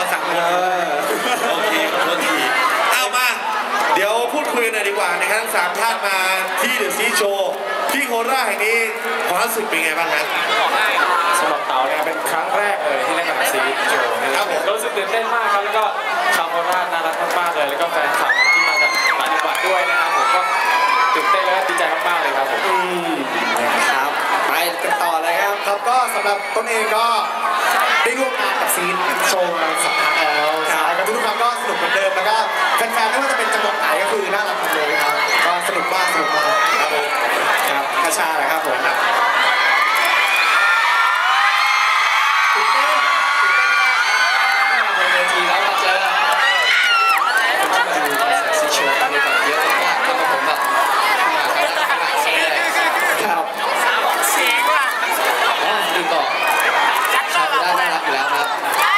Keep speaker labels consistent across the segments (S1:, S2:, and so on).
S1: 3 คนโอเคขอโทษทีเอามาเดี๋ยวพูดคุยหน่อยดีกว่านะครับทั้ง3 ท่านมาที่เดอะซีโชว์ที่โคราชแห่งนี้ความรู้สึกเป็นไงบ้างครับ
S2: สำหรับเต๋าเนี่ยเป็นครั้งแรกเลยที่เล่นกับซีโชว์นะครับผมรู้สึกตื่นเต้นมากครับแล้วก็ชาวโคราชน่ารักมากๆเลยแล้วก็แฟนคลับที่มาจากต่างจังหวัดด้วยนะครับผมก็ตื่นเต้นและดีใจมากๆเลยครับผม
S3: นะครับไปกันต่อเลยครับก็สำหรับต้นเองก็ได้ร่วมงานกับซีโชว์มา2 ครั้งแล้วใช่ก็ทุกครั้งก็สนุกเหมือนเดิมแล้วก็แฟนๆไม่ว่าจะเป็นจังหวัดไหนก็คือน่ารักหมดเลยครับก็สนุกมากครับผมครับกระชาแหละครับผม
S4: ตื่นเต้นมากบนเวทีแล้วมาเจอคนที่มาดูคอนเสิร์ตซีโชว์นี่แบบเยอะมากทำให้ผมแบบครับเสียงว่ะดึงต่อชาวได้น่ารักอยู่แล้วครับ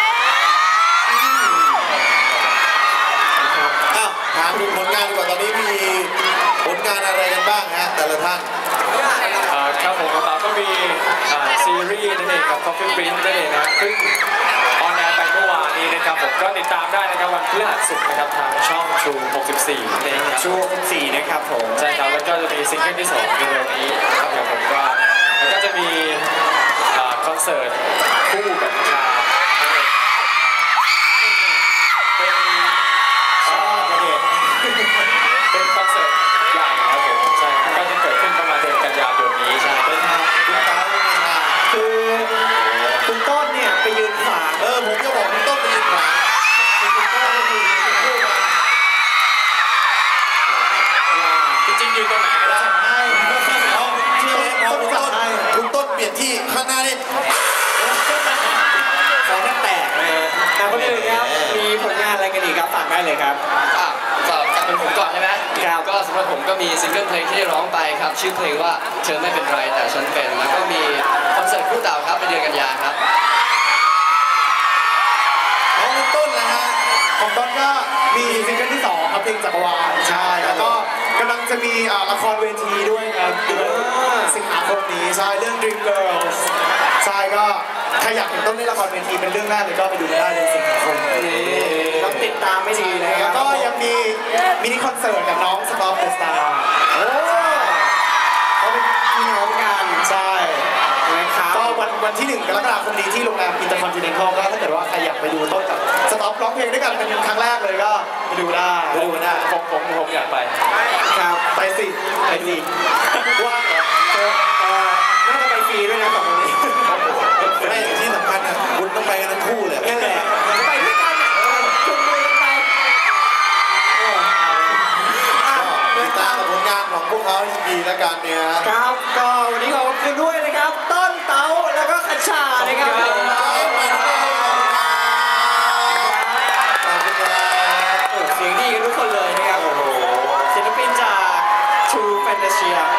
S1: ถามถึงผลงานดีกว่าตอนนี้มีผลงานอะไรกันบ้างฮะแต่ละท่าน
S2: ครับผมของเราก็มีซีรีส์นั่นเองกับ Coffee Prince นั่นเองนะซึ่งออนแอร์ไปเมื่อวานนี้นะครับผมก็ติดตามได้นะครับวันพฤหัสศุกร์นะครับทางช่อง True 64นั่นเองครับ
S3: True 64นะครับผม
S2: ใช่ครับแล้วก็จะมีซิงเกิลที่2ในเร็วนี้ครับผมก็แล้วก็จะมีคอนเสิร์ตคู่กับชาเป็นคอนเสิร์ตใหญ่ครับผมใช่ก็จะเกิดขึ้นประมาณเดือนกันยายนนี้ใช่
S3: เป็นคุณต้นคือคุณต้นเนี่ยไปยืนขวาง
S1: ผมจะบอกคุณต้นไปยืนขวาง
S3: คุณต้นก็คือคู่กัน
S2: จริงๆยืนตรงไหนก็ได้
S1: เอาเชื่อไหมพอคุณต้นเปลี่ยนที่ข้างหน้านี่
S3: ขอแทบแตกเลยคนอื่นครับมีผลงานอะไรกันอีกครับฝากได้เลยครับ
S4: สำหรับเป็นผมก่อนใช่ไหมครับก็สำหรับผมก็มีซิงเกิลเพลงที่ร้องไปครับชื่อเพลงว่าเธอไม่เป็นไรแต่ฉันเป็นแล้วก็มีคอนเสิร์ตคู่เต่าครับในเดือนกันยายนครับ
S1: ของคุณต้นนะฮะ
S3: ของต้นก็มีซิงเกิลที่2ครับเพลงจักรวาลใช่แล้วก็กำลังจะมีละครเวทีด้วยครับเดือนสิงหาคมนี้ใช่เรื่อง Dream Girls ใช่ก็ใครอยากเห็นต้นเล่นละครเวทีเป็นเรื่องแรกเลยก็ไปดูได้ในสิงหาคมต้องติดตามไม่ดีเลยแล้วก็ยังมีมินิคอนเสิร์ตกับน้องสตอร์เดอะสตาร์เขาเป็นพี่น้องกันใช่นะครับก็วันที่1 กรกฎาคมนี้ที่โรงแรมอินเตอร์คอนติเนนทัลก็ถ้าเกิดว่าใครอยากไปดูต้นกับสต็อปร้องเพลงด้วยกันเป็นครั้งแรกเลยก็ไปดูได้
S2: ผมอยากไป
S3: ครับไปสิว่างเหรอน่าจะไปฟรีด้วยนะสองคนนี้
S1: ไม่ที่สำคัญนะคุณต้องไปกันทั้งคู่เลย
S3: นั่นแหละไปด้วยกันจุงมือกันไป
S1: ติดตามผลงานของพวกเขาดีแล้วกันเนี่ย
S3: ครับก็วันนี้ขอบคุณด้วยนะครับต้นเต๋าแล้วก็ขัชชานะครับเสียงดีกันทุกคนเลยนะครับศิลปินจาก True Fantasia